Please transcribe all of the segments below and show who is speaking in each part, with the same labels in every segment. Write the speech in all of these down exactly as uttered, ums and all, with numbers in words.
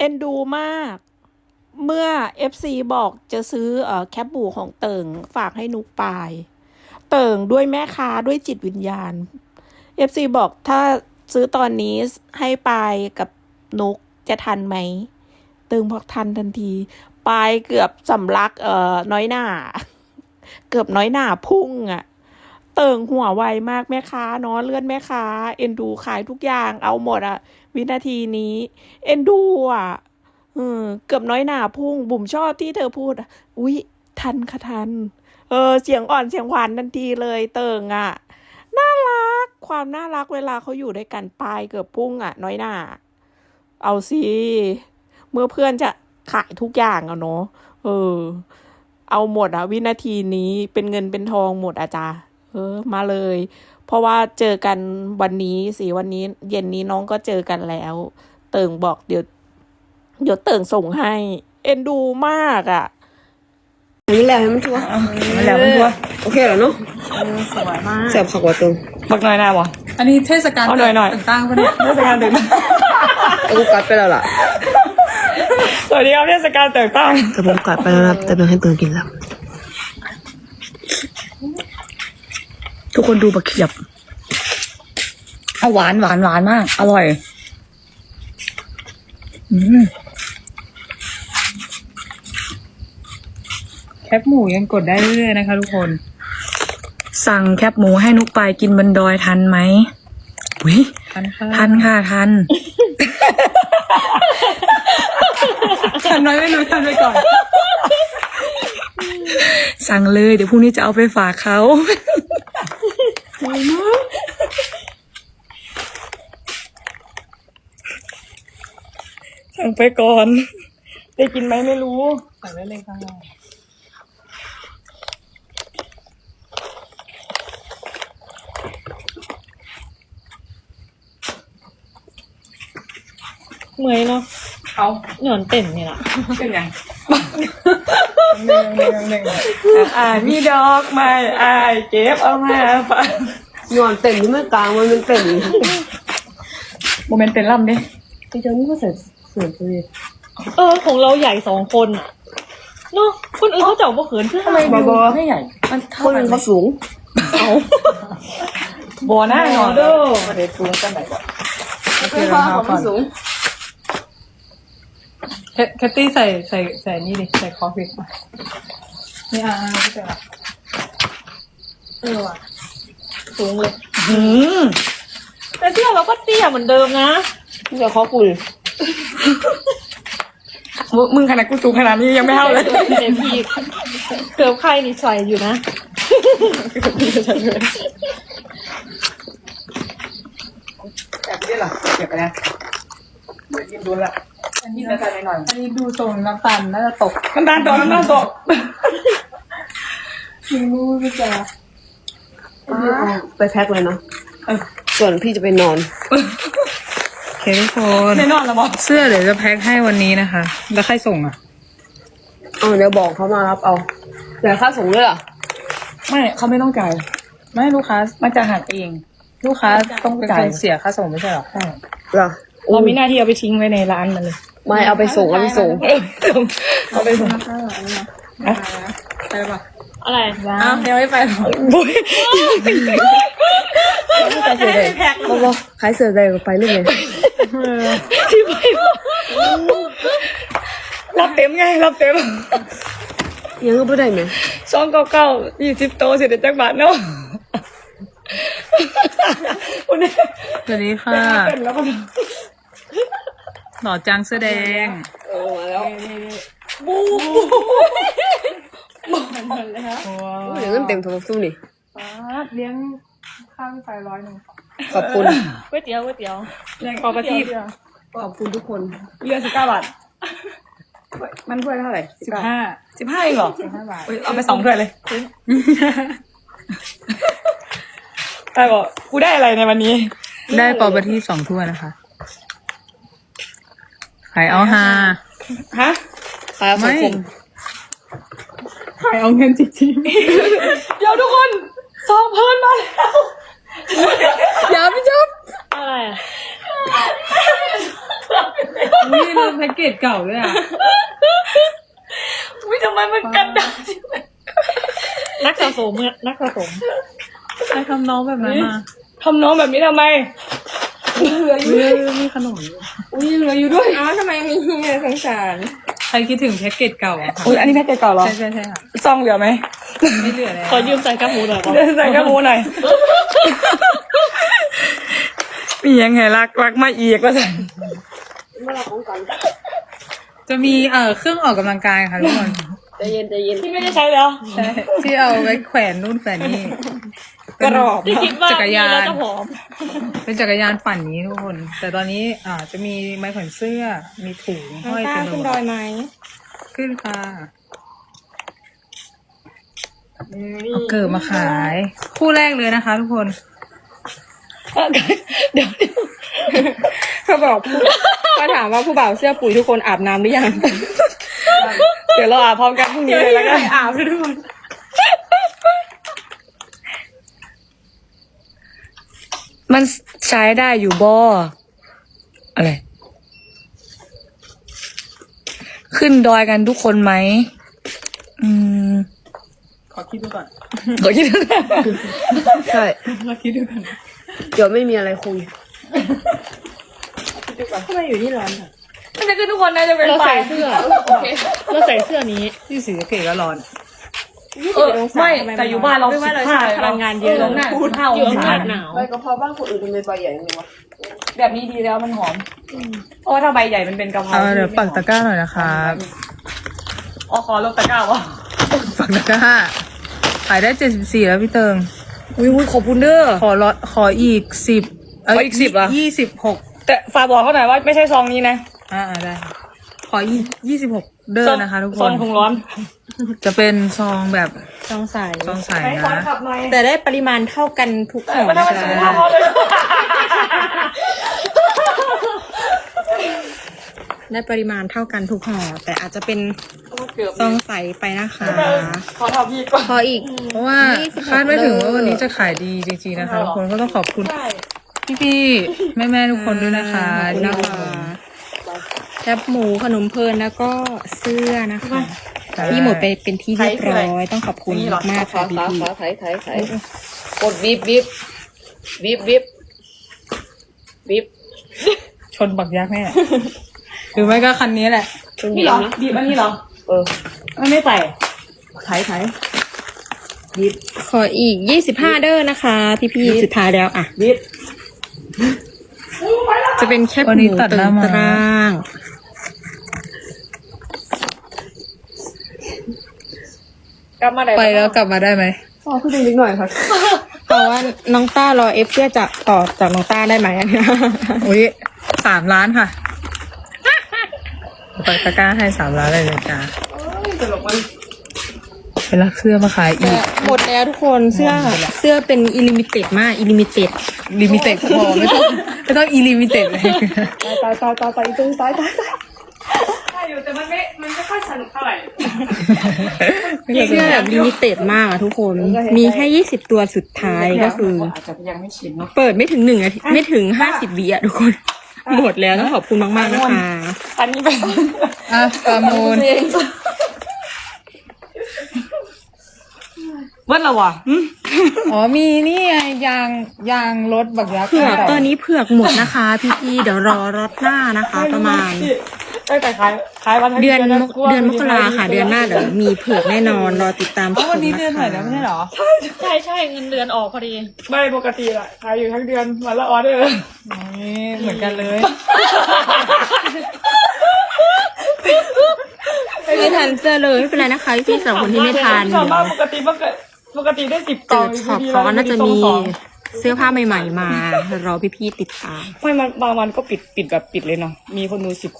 Speaker 1: อ็นดูมาก เมื่อ เอฟ ซี บอกจะซื้อเอ่อแคปหมูของเติ่งฝากให้นุกปาย เติ่งด้วยแม่ค้าด้วยจิตวิญญาณ เอฟ ซี บอกถ้าซื้อตอนนี้ให้ปายกับนุกจะทันไหม เติ่งบอกทันทันที ปายเกือบสำลักเอ่อน้อยหน้า เกือบน้อยหน้าพุ่งอะ่ะ เติ่งหัวไวมากแม่ค้าเนาะเลื่อนแม่ค้าเอ็นดูขายทุกอย่างเอาหมดอะวินาทีนี้ เอ็นดูอ่ะเออเกือบน้อยหน้าพุ่งบุ๋มชอบที่เธอพูดอุ๊ยทันค่ะทันเออเสียงอ่อนเสียงหวานทันทีเลยเติ่งอ่ะน่ารักความน่ารักเวลาเขาอยู่ด้วยกันปลายเกือบพุ่งอ่ะน้อยหน้าเอาสิเมื่อเพื่อนจะขายทุกอย่างอะเนาะเออเอาหมดอะวินาทีนี้เป็นเงินเป็นทองหมดอาจารย์เออมาเลยเพราะว่าเจอกันวันนี้สิวันนี้เย็นนี้น้องก็เจอกันแล้ว เติ่งบอกเดี๋ยวเดี๋ยวเติ่งส่งให้เอ็นดูมากอ่ะ
Speaker 2: นี่แหละให้มันชัวร์
Speaker 3: มันแล้วมันชัวร์
Speaker 2: โอเคแล้วเนาะ
Speaker 1: สวยมาก
Speaker 2: แซ่บผักกว่าตึง
Speaker 3: บักหน่อยนะบ่
Speaker 4: อันนี้เทศกาลต่างๆปะเนี่ย
Speaker 3: เทศกาลตึง
Speaker 2: แต่กูกัดไปแล้วล่ะ
Speaker 3: สวัสดีครับเทศกาลตึงตั้ง
Speaker 2: แต่ผมกัดไปแล้วนะแต่เป็นให้ตึงกินแล้วทุกคนดูบักเขียบ
Speaker 3: เอาหวานหวานหวานมากอร่อยอืมแคปหมูยังกดได้เรื่อยๆนะคะทุกคนสั่งแคปหมูให้นุกไปกินบนดอยทันไหมอุ้ยทันค่ะทันค่ะทัน
Speaker 4: ทันน้อยไม่รู้ทันไปก่อน
Speaker 3: สั่งเลยเดี๋ยวพรุ่งนี้จะเอาไปฝากเขาสั่งไปก่อนได้กินไหมไม่รู้สั่งได้เลยค่ะเมื่อยเนาะเอาหย่อนเต็มนี่แหละเป็นไงหนึ่งหนึ่งหนึ่งอ่ามีดอกไม้อ่าเก็บเอามาฝาก
Speaker 2: นอนเต็มที่ไม่กลางมันเป็นเต็ม
Speaker 3: โมเมนต์เป็นล่ำดิ
Speaker 2: ไอ้เจ้านี่ก็เสร็จเสร็จเลย
Speaker 1: เออของเราใหญ่สองคนอ่ะเนาะคนอื่นเขาเจ้าบ่เขินคือทำไม
Speaker 3: บอไม่ใหญ่
Speaker 2: มันคนอื่นเขาสูง
Speaker 3: เอาบอหน้าหนอเด้อประเด็นสูงกันไหนก่อน
Speaker 2: ไม่พอเขาไม่สูง
Speaker 4: แคตตี้ใส่ใส่ใส่นี่ดิใส่คอฟิกมานี่อ่าพี่เจ๋อ
Speaker 1: เออว่ะสูงเลยหืมแต่เตี้ยเราก็เตี้ยเหมือนเดิมนะ
Speaker 2: นี่จะขอคุย
Speaker 3: มึงขนาดกูสูงขนาดนี้ยังไม่เท่าเลย
Speaker 1: เอ็มพีเกือบใครนี่ใส่อยู่นะ
Speaker 3: แต่ไม่ได้หรอเก็บไปนะกินดูละ
Speaker 4: อันนี้น้ำตาลหน่อยอันนี้ดูทรงน้ำตาลน่าจะตก
Speaker 3: น้ำตาลตกน้ำตาลตก
Speaker 4: ไม่รู้พี่เจ๋อ
Speaker 2: ไปแพ็คเลยเนาะส่วนพี่จะไปนอน
Speaker 3: โอเคทุกคน
Speaker 4: ไม่นอนแล้วบอก
Speaker 3: เสื้อเดี๋ยวจะแพ็คให้วันนี้นะคะแล้วใครส่งอ่ะ
Speaker 2: เอาเดี๋ยวบอกเขามารับเอาแต่ค่าส่งด้วยอ่ะ
Speaker 3: ไม่เขาไม่ต้องจ่ายไม่ลูกค้ามาจะหักเองลูกค้าต้องจ่ายเสียค่าส่งไม่ใช่หรอใช่
Speaker 2: หรอ
Speaker 3: เรามีหน้าที่เอาไปทิ้งไว้ในร้านมันเลย
Speaker 2: ไม่เอาไปส่งเอาไปส่ง
Speaker 3: เอาไปส่ง
Speaker 4: ไปป่ะ
Speaker 1: อะไร
Speaker 4: อ้าวยังไม่ไปหรอ
Speaker 3: บุ้ย
Speaker 2: ขายเสือใดบอกบอกขายเสือใดก็ไปลูกเลย
Speaker 3: ที่ไปรับเต็มไงรับเต็ม
Speaker 2: ยังก็ไม่ได้ไหม
Speaker 3: สองเก้าเก้ายี่สิบโตเสร็จจากบาทเนาะสวัสดีค่ะหล่อจังเสื้อแดง
Speaker 2: เออมาแล้ว
Speaker 3: บู
Speaker 2: บูอย่างนั้นเต็มโทรศัพท์นี่
Speaker 4: เลี้ยงข้าวไฟร้อยหนึ่ง
Speaker 2: ขอบคุณ
Speaker 1: ก๋วยเตี๋ยวก๋วยเตี๋ยว
Speaker 3: ขอบประทีป
Speaker 2: ขอบคุณทุกคน
Speaker 3: เรือสิบเก้าบาท
Speaker 2: มันถ้วยเท่าไหร่
Speaker 3: สิบห้าสิบห้าเองเหรอ
Speaker 4: สิบห้าบาท
Speaker 3: เอาไปสองถ้วยเลยแต่บอกกูได้อะไรในวันนี้ได้ปอประทีปสองถ้วยนะคะขายเอาฮา
Speaker 2: ฮะขายเอาสังคม
Speaker 3: ขายเอาเงินจริงๆเดี๋ยวทุกคนซองเพิ่นมาแล้ว
Speaker 2: อย่าพี่จ๊อบ
Speaker 1: อะไรอ่ะ
Speaker 4: อุ้ยลืมแพ็กเกจเก่าด้วยอ่ะ
Speaker 3: อุ้ยทำไมมันกันดานักสะสมเมื่อนักสะสม
Speaker 4: ใครทำน้องแบบนั้นมา
Speaker 3: ทำน้องแบบนี้ทำไมเหลืออยู่
Speaker 4: อุ้ยมีขนมอยู่
Speaker 3: อุ้ยเหลืออยู่ด้วยอ้าวทำไมมีสงสาร
Speaker 4: ใครคิดถึงแพ็กเกจเก่าอ่ะค่ะ
Speaker 3: อุ้ยอันนี้แพ็กเกจเก่าเหรอ
Speaker 4: ใช่ใช่ใช่ค่ะ
Speaker 3: ซองเหลือไหม
Speaker 4: ไม่เหลือแล้ว
Speaker 1: ขอยืมใส่กระหมูหน่อย
Speaker 3: เดินใส่กระมูหน่อยมียังไงรักรักมาอีกก็ใส่
Speaker 4: จะมีเอ่อเครื่องออกกำลังกายค่ะทุกคน
Speaker 2: ใจเย็นใจเย็น
Speaker 3: ที่ไม่ได้ใช้แล้ว
Speaker 4: ใช่ที่เอาไว้แขวนนู่นแขวนนี่
Speaker 3: กรอบ
Speaker 1: ที่คิดว่า
Speaker 4: จักรยา
Speaker 1: มีแล้ว
Speaker 4: น
Speaker 1: จะผอม
Speaker 4: เป็นจักรยานปั่นนี้ทุกคน แต่ตอนนี้อ่าจะมีไม้แขวนเสื้อ มีถุงห้อย
Speaker 3: กล้า
Speaker 4: เต็มไป
Speaker 3: ขึ้น
Speaker 4: หม
Speaker 3: ดอ
Speaker 4: ด
Speaker 3: ยไหม
Speaker 4: ขึ้นค่ะเอาเกิดมาขาย คู่แรกเลยนะคะ ทุกคน
Speaker 3: เดี๋ยวเขาบอกผู้เขาถามว่าผู้บ่าวเสื้อปุ๋ยทุกคนอาบน้ำหรือยัง เดี๋ยวเราอาบพร้อมกันพรุ่งนี้เลยแล้วกันอาบทุกคนมันใช้ได้อยู่บ่อะไร ขึ้นดอยกันทุกคนไหมอืม
Speaker 4: ขอคิดดูก่อน
Speaker 3: ขอคิดดูก่อน
Speaker 2: ใช่
Speaker 4: ขอคิดดูก่อน
Speaker 2: เดี๋ยวไม่มีอะไรคุย
Speaker 3: ทำไมอยู่ที่ร้อนค่ะมันจะขึ้นทุกคนนะจะเป็น
Speaker 1: เรา
Speaker 3: ไฟ
Speaker 1: ใส่เสื้อ เราใส่เสื้อนี้
Speaker 4: ที่สีสะเกตก็ร้อน
Speaker 3: เออไม่แต่อยู่บ้านเราสิบห้า
Speaker 1: พลังงานเยอะ
Speaker 3: ลงหน้าพูดเท่า
Speaker 1: เยอะมากหนาว
Speaker 2: ไปกระเพราบ้านคนอื่นทำไมใบใหญ่จังวะ
Speaker 3: แบบนี้ดีแล้วมันหอมเพราะว่าถ้าใบใหญ่มันเป็นกะเพรา
Speaker 4: เอาเดี๋ยวปักตะกร้าหน่อยนะคะ
Speaker 3: อ๋อขอลงตะกร้าวะ
Speaker 4: ปักตะกร้า ขายได้เจ็ดสิบสี่แล้วพี่เติง
Speaker 3: อุ้ยอุ้ยขอบคุณเด้อ
Speaker 4: ขอร้อยขออีกสิบ
Speaker 3: ขออีกสิบเหรอ
Speaker 4: ยี่สิบหก
Speaker 3: แต่ฝากบอกเขาหน่อยว่าไม่ใช่ซองนี้นะ
Speaker 4: อ่าได้ค่ะขออีกยี่สิบหกเด้อนะคะ ทุกค
Speaker 3: ซอน งถุงร้อน
Speaker 4: จะเป็นซองแบบ
Speaker 1: สองสาย
Speaker 4: ซองใส
Speaker 3: ไหนขอ
Speaker 4: นะ
Speaker 3: ขับหน่อย
Speaker 1: แต่ได้ปริมาณเท่ากันทุกห่อ
Speaker 3: ไม่ต้องมาซื้อข้าวเขาเลย
Speaker 1: ได้ปริมาณเท่ากันทุกห่อแต่อาจจะเป็น
Speaker 3: เกือบ
Speaker 1: ซองใสไปนะคะ
Speaker 3: ขอทำพี่ก่อน
Speaker 1: พออีก
Speaker 4: เพราะว่าคาดไม่ถึงว่าวันนี้จะขายดีจริงๆนะคะทุกคนก็ต้องขอบคุณ
Speaker 3: ใช่
Speaker 4: พี่ๆแม่ๆทุกคนด้วยนะคะ
Speaker 1: ขอบคุณ
Speaker 4: ที่
Speaker 1: นะคะแคบหมูขนมเพลินแล้วก็เสื้อนะคะ
Speaker 4: ใช่
Speaker 1: ที่หมดไปเป็นที่เรียบร้อยต้องขอบคุณมากๆ
Speaker 2: ขา
Speaker 1: ค่ะพี่
Speaker 2: ขา
Speaker 1: พี่
Speaker 2: ขาไถไถไถกดบีบบีบบีบบีบบีบ
Speaker 4: ชนบักยักษ์แน่หรือไม่ก็คันนี้แหละ
Speaker 2: เป็นบี
Speaker 3: นี่
Speaker 2: บ
Speaker 3: เหรอ
Speaker 2: นะ
Speaker 3: บีบอันนี้เหรอ
Speaker 2: เออ
Speaker 3: มันไม่ใส่ไถไถ
Speaker 2: บีบ
Speaker 1: ขออีกยี่สิบห้าเด้อนะคะ พี่พี่สุดท้ายแล้วอ่ะ
Speaker 3: บีบ
Speaker 1: จะเป็นแคบ
Speaker 4: วัน
Speaker 1: ห
Speaker 4: นี้
Speaker 1: มู
Speaker 4: ตัดห
Speaker 1: ตึ
Speaker 4: น้าง มา
Speaker 1: ตราง
Speaker 3: กลับมาไหน
Speaker 4: ไปแล้วกลับมาได้ไหม
Speaker 2: อ๋อขึ้นนิดหน่อยค่ะ
Speaker 1: เพราะว่าน้องต้ารอเอฟเสื้อจะต่อจากน้องต้าได้ไหมอันเนี้ย
Speaker 4: อุ้ยสามล้านค่ะปักตะกร้าให้สามล้านเลยนะจ๊ะ
Speaker 3: ตลกมัน
Speaker 4: ไปรักเสื้อมาขายอี
Speaker 1: แต่
Speaker 4: ก
Speaker 1: หมดแล้วทุกคนเสื้อเสื้อเป็นอิลิมิเต็ดมากอิลิมิเต็ด
Speaker 4: ลิมิเต็ดพอไม่ต้องไม่ต้องอีลิมิเต็ดเลย
Speaker 2: ตายตายตายตายตรงตายตายตาย
Speaker 3: ใช่อยู่แต่มันไม่มันไม่ค่อยสนุกเท่าไหร่
Speaker 1: เสื้อแบบลิมิเต็ดมากอะทุกคน มีแค่ยี่สิบตัวสุดท้ายก็คือ
Speaker 3: อาจจะยังไม่ชินเนาะ
Speaker 1: เปิดไม่ถึงหนึ่งนาทีไม่ถึงห้าสิบวิอะทุกคน หมดแล้วต้องขอบคุณมากๆนะคะ
Speaker 3: อันนี้เป็น
Speaker 4: อ่ะประมูล
Speaker 3: วันละวะ
Speaker 4: อ๋อมีนี่ไงยางยางรถบักยักษ์
Speaker 1: เผือกตอนนี้เผือกหมดนะคะ พี่ๆเดี๋ยวรอรถหน้านะคะ ประมาณ
Speaker 3: ตั้งแต่ขายขายวันทั้ง
Speaker 1: เดือน
Speaker 3: แล้ว
Speaker 1: มกเดือนมกราค่ะ เดือนหน้าเดี๋ยวมีเผือกแน่นอนรอติดตามช
Speaker 4: อ๋อ
Speaker 1: ม
Speaker 4: วันนี้
Speaker 1: นะ
Speaker 4: เดือนไหน
Speaker 1: คะ
Speaker 4: แล้วไม่ใช่เหรอ
Speaker 1: ใช่ใช่เงินเดือนออกพอดี
Speaker 3: ไม่ปกติอะขายอยู่ทั้งเดือนวันละออเดอร์
Speaker 4: นี่เหมือนกันเลย
Speaker 1: ไม่ทันเสื้อเลยไม่เป็นไรนะคะพี่สำหรับคนที่ไม่ทัน
Speaker 3: ชอบมากปกติปกติปกติได้สิบก
Speaker 1: เจ
Speaker 3: ล่อง
Speaker 1: อช็อปเขาก็น่าจะมีเสื้อผ้าใหม่ๆมารอพี่ๆติดตาม
Speaker 3: ไม่มันบางวันก็ปิดปิดแบบปิดเลยเนาะมีคนดูสิบคน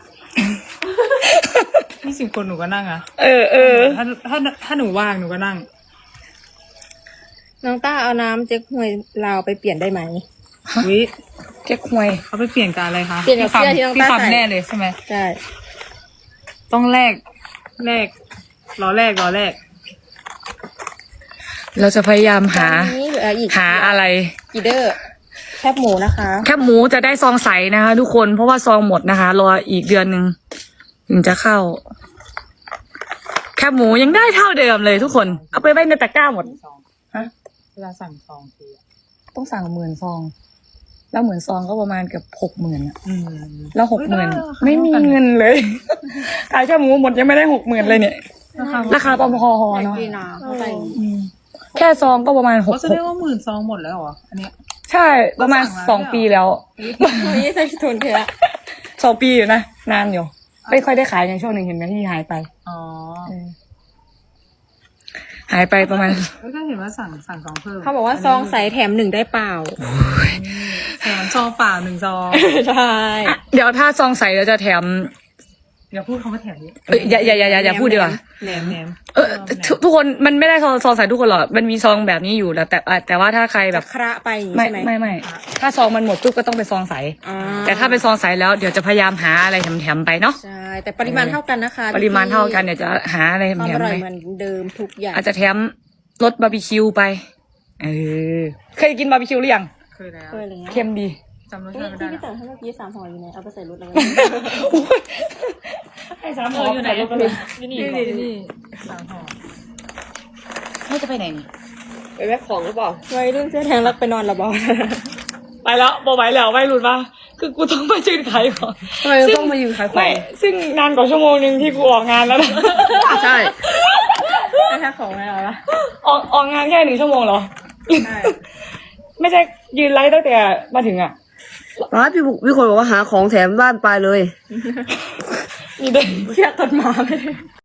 Speaker 4: ยี่สิบคนหนูก็นั่งอ่ะ
Speaker 3: เออเออ
Speaker 4: ถ้าถ้าถ้าหนูว่างหนูก็นั่ง
Speaker 1: น้องต้าเอาน้ำเจ๊กฮวยลาวไปเปลี่ยนได้ไหม
Speaker 4: วิ
Speaker 3: เจ๊กหวย
Speaker 4: เขาไปเปลี่ยนกับอะไรคะ
Speaker 1: เปลี่ยนกับเสื้อที่น้อง
Speaker 4: พี่
Speaker 1: ต้าใส่
Speaker 4: คำแน่เลยใช่ไหม
Speaker 1: ใช่
Speaker 4: ต้องแลกแลกรอแลกรอแลก
Speaker 3: เราจะพยายามหา
Speaker 1: ตอนนี้เหลืออีก
Speaker 3: หาอะไร
Speaker 1: กี่เด้อ
Speaker 3: แคบหมูนะคะ
Speaker 4: แคบหมูจะได้ซองใสนะคะ ทุกคนเพราะว่าซองหมดนะคะรออีกเดือนหนึ่งถึงจะเข้า แคบหมูยังได้เท่าเดิมเลยทุกคนเอาไปไว้ในตะกร้าหมดฮะ
Speaker 3: เวลาสั่งซองที
Speaker 4: ต้องสั่งหมื่นซอง แล้วหมื่นซองก็ประมาณเกือบหกหมื่นอะ
Speaker 3: อืม
Speaker 4: แล้วหกหมื่นไม่มีเงินเลยขายแคบหมูหมดยังไม่ได้หกหมื่นเลยเนี่ย ราคาประมาณพอๆเนาะ
Speaker 3: ดีนะเข้าใจ
Speaker 4: อืมแค่ซองก็ประมาณหก
Speaker 3: เขาจะเรียกว่าหมื่นซองหมดแล้วเหรออันเนี้ย
Speaker 4: ใช่ประมาณสองปีแล้ว
Speaker 3: นี่ใส่ทุนเถอะ
Speaker 4: สองปีอยู่นะนานอยู่ไม่ค่อยได้ขายในช่วงหนึ่งเห็นไหมที่หายไป
Speaker 3: อ๋อ
Speaker 4: เออหายไปประมาณ
Speaker 3: แล้วก็เห็นว่าสั่งสั่งซองเพิ่ม
Speaker 5: เขาบอกว่าซองใสแถมหนึ่งได้เปล่า
Speaker 3: แถมซองเปล่าหนึ่งซอง
Speaker 5: ใช่
Speaker 4: เดี๋ยวถ้าซองใสเราจะแถม
Speaker 3: อย่าพูดคำว่าแถมนี้
Speaker 4: เอ้ยอย่าอย่าอย่าอย่าอย่าพูดดีกว่า
Speaker 3: แหนมแหนม
Speaker 4: เออทุกทุกคนมันไม่ได้ซองซองใสทุกคนหรอกมันมีซองแบบนี้อยู่แล้วแต่แต่แต่ว่าถ้าใครแบ
Speaker 5: แบบ บคระไปอย่างนี้
Speaker 4: ไม่
Speaker 5: ใช่ไหม
Speaker 4: ไม่ไม่ถ้าซองมันหมดปุ๊บก็ต้องเป็นซองใส
Speaker 5: อ่า
Speaker 4: แต่ถ้าเป็นซองใสแล้วเดี๋ยวจะพยายามหาอะไรแถมๆไปเนาะ
Speaker 5: ใช่ แต่ปริมาณเท่ากันนะคะ
Speaker 4: ปริมาณเท่ากันเดี๋ยวจะหาอะไร
Speaker 5: ความ
Speaker 4: แถ
Speaker 5: อ
Speaker 4: มๆ
Speaker 5: ร่อ
Speaker 4: ไป
Speaker 5: ยเหมือนเดิมทุกอย่าง
Speaker 4: อาจจะแถมรสบาร์บีคิวไปเออเคยกินบาร์บีคิวหรือยัง
Speaker 3: เคยแล้ว
Speaker 5: เคยอะไรเงี้ย
Speaker 4: เค็มดี
Speaker 3: จำรส
Speaker 5: นี่
Speaker 3: ชาติไม่ได้
Speaker 5: ที่พี่
Speaker 3: แล้ว
Speaker 5: เต๋อให้เมื่อกี้สามห่ออยู่ไหนเอาไปใส่รถแล้ว
Speaker 4: ให้สามห
Speaker 3: เอ
Speaker 4: อ
Speaker 3: ออยู่ไหน
Speaker 4: ใส่รถไปเลย
Speaker 3: นี่นี่นี่นี่สามห่อ
Speaker 4: ไม่จะไปไหนนี่
Speaker 2: ไปแวะของหรือเปล่า
Speaker 5: วัยรุ่นเสื้อแทงรักไปนอนละบอล
Speaker 4: ไปแล้วบอไหวแล้วไม่รุนป่ะคือกูต้องมายืนขายของ
Speaker 2: ทำไมต้องมายืนขายของ
Speaker 4: ไม่ซึ่งนานกว่าชั่วโมงหนึ่งที่กูออกงานแล้วนะ
Speaker 2: ใช่
Speaker 5: ไม่ใช่ของอะไรวะ
Speaker 4: ออกออกงานแค่หนึ่งชั่วโมงเหรอไม่ใช่ยืนไลฟ์ตั้งแต่มาถึงอ่ะ
Speaker 2: ป้าพี่บุพี่คนบอกว่าหาของแถมบ้านไปเลย
Speaker 4: มีเด็ก
Speaker 5: เชื่อต้นหมาไม่ได้